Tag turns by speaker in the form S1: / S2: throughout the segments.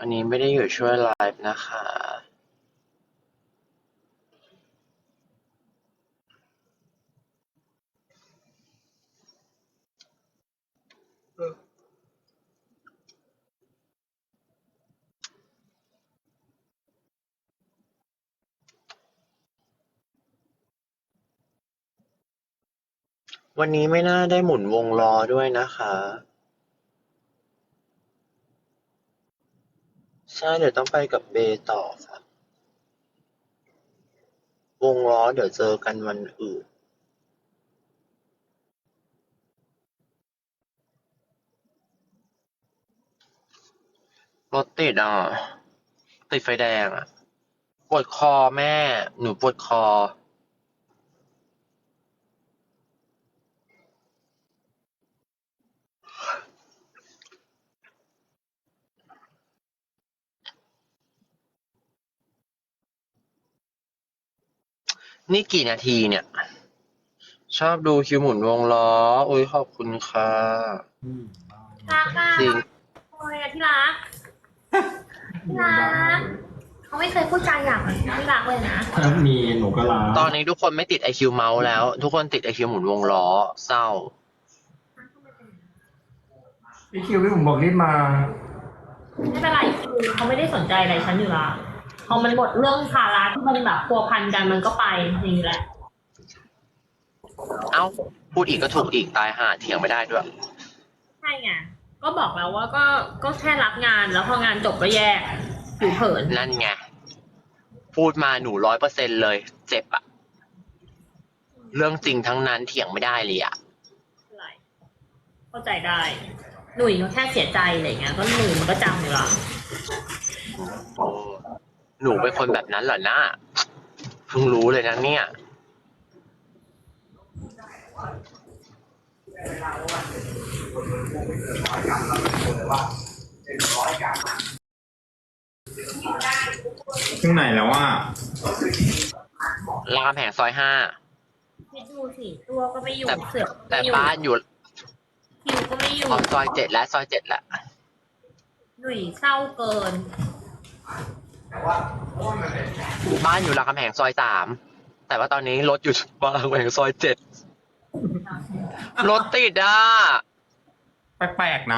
S1: อันนี้ไม่ได้อยู่ช่วยไลฟ์นะคะ วันนี้ไม่น่าได้หมุนวงล้อด้วยนะคะ ใช่เดี๋ยวต้องไปกับเบต่อค่ะ วงล้อเดี๋ยวเจอกันวันอื่น รถติดอ่ะ ติดไฟแดงอ่ะ ปวดคอแม่ หนูปวดคอ นี่กี่นาทีเนี่ย ชอบดูคิวหมุนวงล้อ อุ้ยขอบคุณค่ะ
S2: รักอ่ะ
S1: จริง
S2: โอ้ยอะที่รักที่รักเขาไม่เคยพูดจาหยาบที่รักเลยนะ
S3: ถ้ามีหนูก็ลา
S1: ตอนนี้ทุกคนไม่ติด IQ เมาส์แล้ว ทุกคนติด IQ หมุนวงล้อ เศร้า
S3: พี่คิวพี่ผมบอกรีบมา
S2: ไม่เป็นไรคือเขาไม่ได้สนใจอะไรฉันอยู่ละพอมันหมดเรื่องภาระที่มันแบบพัวพันกันมันก็ไปอย่างนี้แหละ
S1: เอ้า พูดอีกก็ถูกอีกตายห่าเถียงไม่ได้ด้วย
S2: ใช่ไงก็บอกแล้วว่าก็แค่รับงานแล้วพองานจบก็แยกผิวเผิน
S1: นั่นไง พูดมาหนู100%เลย เจ็บอะเรื่องจริงทั้งนั้นเถียงไม่ได้เลยอะ
S2: อะไรเข้าใจได้ หนุ่ยก็แค่เสียใจอะไรเงี้ยก็หนุ่ยมันก็จำอยู่ละ
S1: โอ้หนูเป็นคนแบบนั้นเหรอนะเพิ่งรู้เลยนะเนี่ย
S3: ถึงไหนแล้วว่า
S1: รามคำแหงซอย5
S2: คิดดูสิตัวก็ไม่อยู่
S1: แต่
S2: เสือกก็
S1: แต่
S2: ไม่อยู่
S1: บ้านอยู่
S2: คิวก็ไม่อยู่
S1: ซอย7แล้วซอย7แล้ว
S2: หนุ่ยเศร้าเกิน
S1: บ้านอยู่รามคำแหงซอย3แต่ว่าตอนนี้รถอยู่รามคำแหงซอย7รถติดอ่ะ
S3: แปลกๆนะ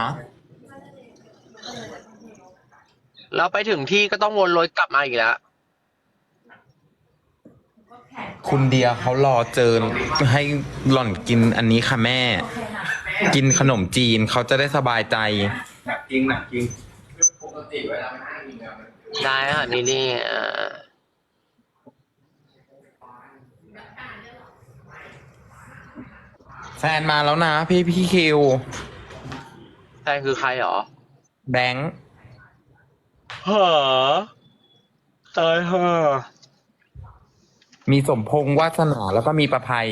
S1: แล้วไปถึงที่ก็ต้องวนรถกลับมาอีกแล้ว
S4: คุณเดียเขารอเจอให้หล่อนกินอันนี้ค่ะแม่ กินขนมจีนเขาจะได้สบายใจ
S3: หนักจริงหนักจริง
S1: ได้ค่ะนี่นี่
S4: แฟนมาแล้วนะพี่คิว
S1: แฟนคือใครหรอ
S4: แบงค์
S1: หาตายห่า
S4: มีสมพงษ์วาสนาแล้วก็มีประภัย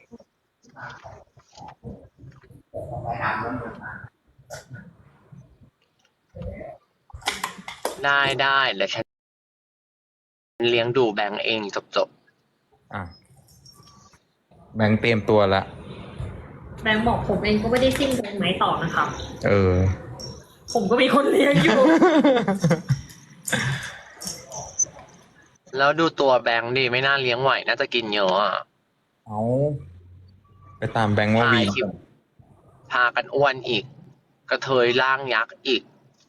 S1: ได้ได้เดี๋ยวฉันเลี้ยงดูแบงก์เองจบ
S4: อ่ะ แบงค์เตรียมตัวละ
S2: แบงค์บอกผมเองก็ไม่ได้สิ้นเดือนไหมต่อนะครับ
S4: เออ
S2: ผมก็มีคนเลี้ยงอยู่
S1: ๆ แล้วดูตัวแบงก์ดิไม่น่าเลี้ยงไหวน่าจะกินเยอะอะ
S4: เอาไปตามแบงค์ว่าวี
S1: พาคิวพากันอ้วนอีก กระเทยร่างยักษ์อีก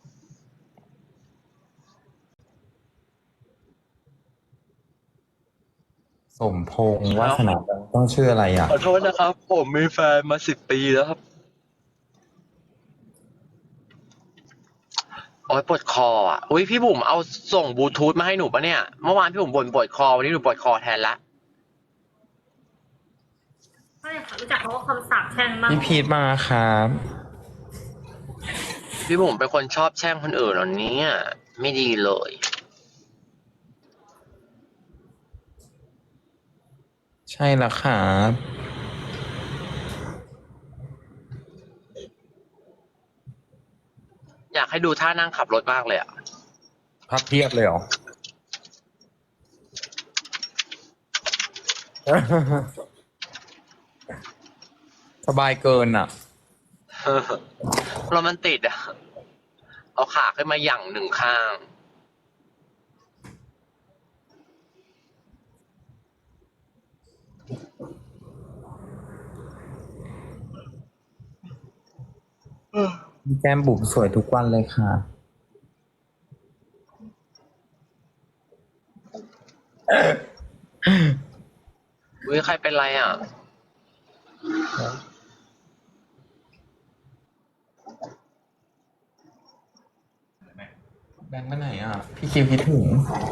S4: สมพงษ์วาสนาต้องชื่ออะไรอ่ะ
S1: ขอโทษนะครับ ผมมีแฟนมา10 ปีแล้วครับ โอ๊ยปวดคออ่ะ อุ้ยพี่บุ๋มเอาส่งบลูทูธมาให้หนูปะเนี่ย เมื่อวานพี่บุ๋มบ่นปวดคอ วันนี้หนูปวดคอแทนละ
S2: ไม่ค่ะรู้จักเขาว่าคำสาปแช่งมาก
S4: พี่พีทมาครับ
S1: พี่บุ๋มเป็นคนชอบแช่งคนอื่นเหรอเนี่ยไม่ดีเลย
S4: ใช่แล้วครับ
S1: อยากให้ดูท่านั่งขับรถมากเลยอ่ะ
S4: พับเพียบเลยเหรอ สบายเกินอ่ะ
S1: รถมันติดอ่ะเอาขาขึ้นมาหยั่งหนึ่งข้าง
S4: แก้มบุ๋มสวยทุกวันเลยค่ะ
S1: อุ้ยใครเป็นไรอ่ะ
S4: แบงค์ไปไหนอ่ะ พี่คิวคิดถึง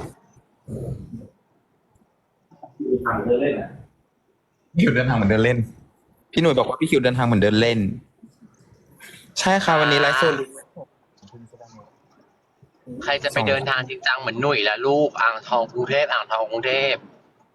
S3: ถามเธอเล่นอ่ะ
S4: พี่คิวเดินทางเหมือนเดินเล่น พี่หนุ่ยบอกว่าพี่คิวเดินทางเหมือนเดินเล่น ใช่ค่ะวันนี้ไลฟ์สด
S1: ใครจะไปเดินทางจริงจังเหมือนหนุ่ยและลูกอ่างทองกรุงเทพอ่างทองกรุงเทพ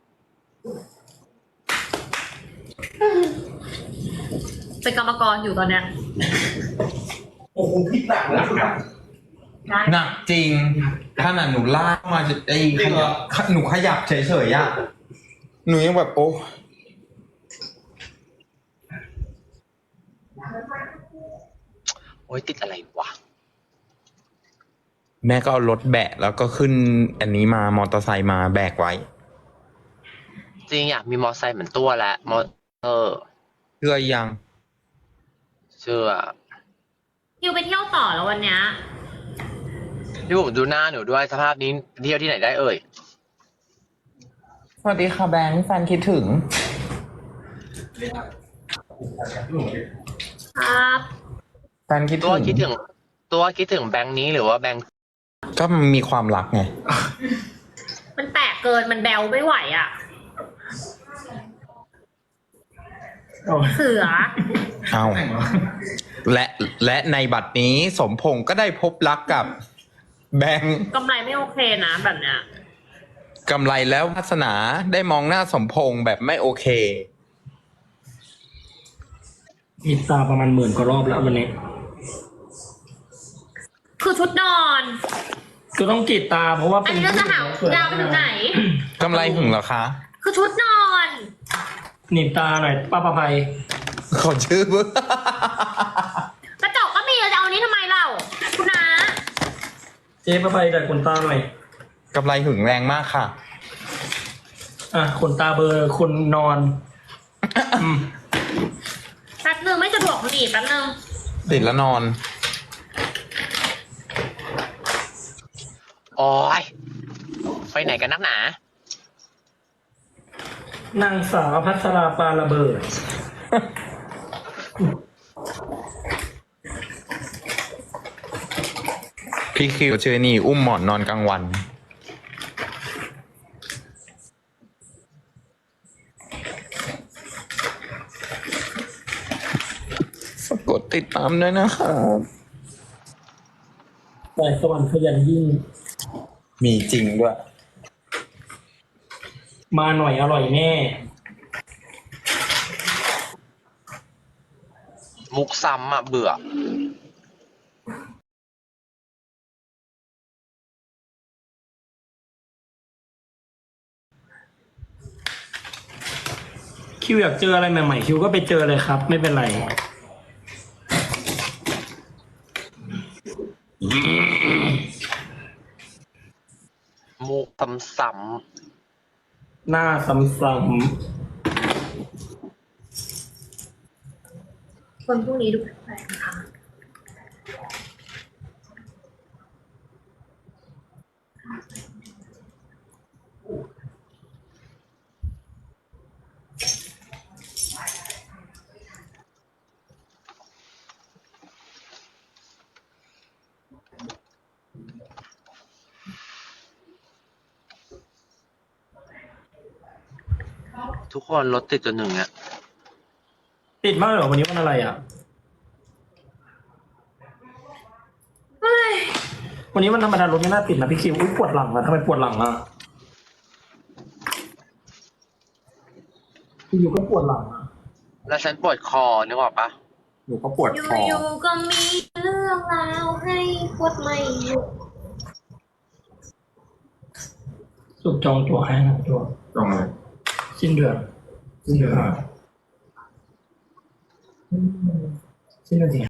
S2: เป็นกรรมกรอยู่ตอนเนี้ย
S3: โอ้โหพี่หนักเลยครับ
S2: ได้
S4: หนักจริงขนาดหนูลากมาจะไอ้หนูขยับเฉยๆอ่ะ หนูยังแบบโอ้
S1: โอ้ยติดอะไรวะ
S4: แม่ก็เอารถแบะแล้วก็ขึ้นอันนี้มามอเตอร์ไซค์มาแบกไว้
S1: จริงอยากมีมอไซค์เหมือนตัวแล้วมอร์
S4: เชื่อยัง
S1: เชื่อ
S2: คิวไปเที่ยวต่อแล้ววันเนี้ย
S1: พี่ผมดูหน้าหนูด้วยสภาพนี้เที่ยวที่ไหนได้เอ่ย
S4: สวัสดีค่ะแบงค์แฟนคิดถึง
S2: ครับ
S4: แฟนคิด
S1: ตัว
S4: ถึง
S1: คิดถึง ตัวคิดถึงแบงค์นี้หรือว่าแบงค์
S4: ก็มีความรักไง
S2: มันแตกเกินมันแบวไม่ไหวอ่ะ เสือ
S4: เอาและในบัดนี้สมพงษ์ก็ได้พบรักกับแบงค์
S2: กำไรไม่โอเคนะแบบเนี้ย
S4: กำไรแล้ววาสนาได้มองหน้าสมพงษ์แบบไม่โอเค
S5: มีตาประมาณ10,000 กว่ารอบแล้ววันนี้
S2: คือชุดนอน
S5: ก็ต้องกรีดตาเพราะว่า
S2: อันนี้เราจะหายาวไปถึงไหน
S4: กำไรหึงเหรอคะ
S2: คือชุดนอน
S5: หนีบตาหน่อยป้าประภัย
S4: ขอชื่อเพื่อก
S2: ระจกก็มีจะเอานี้ทำไมเล่าคุณน้า
S5: เจ๊ประภัยแต่ขนตาหน่อย
S4: กำไรหึงแรงมากค่ะ
S5: อ่ะขนตาเบอร์คนนอนอืม
S2: แป๊บนึงไม่สะดวกหนีบแป๊บนึง
S4: ติดแล้วนอน
S1: โอ้ยไปไหนกันนักหนา
S5: นางสาวพัชราปาระเบิด
S4: พี่คิวชื่อนี่อุ้มหมอนนอนกลางวัน ฝากกดติดตามด้วยนะครับ
S5: แต่สวรรค์ขยันยิ่ง
S4: มีจริงด้วย
S5: มาหน่อยอร่อยแน่
S1: มุกซ้ำอ่ะเบื่อ
S5: คิวอยากเจออะไรใหม่ๆคิวก็ไปเจอเลยครับ ไม่เป็นไร
S1: มุกซ้ำ
S5: หน้าซ้ำ
S2: คนพวกนี้ดูแปลกๆนะคะ
S1: ๆทุกคนรถติดจนหนึ่งอ่ะ
S5: ๆติดมากเลยเหรอวันนี้วันอะไรอ่ะ
S2: เฮ้ย
S5: วันนี้วันธรรมดารถไม่น่าติดนะพี่คิวอุ้ยปวดหลังอ่ะทำไมปวดหลังอ่ะพี่อยู่ก็ปวดหลังอ่ะ
S1: แล้วฉันปวดคอนึกออกปะ
S4: หนูก็ปวดคอ
S2: อยู่ๆก็มีเรื่องราวให้ปวดไม่หยุด
S5: สุดจองตัวให้นะตัว
S3: ตรงเลย
S5: สิ้นเดือน สิ้นเดือนสิ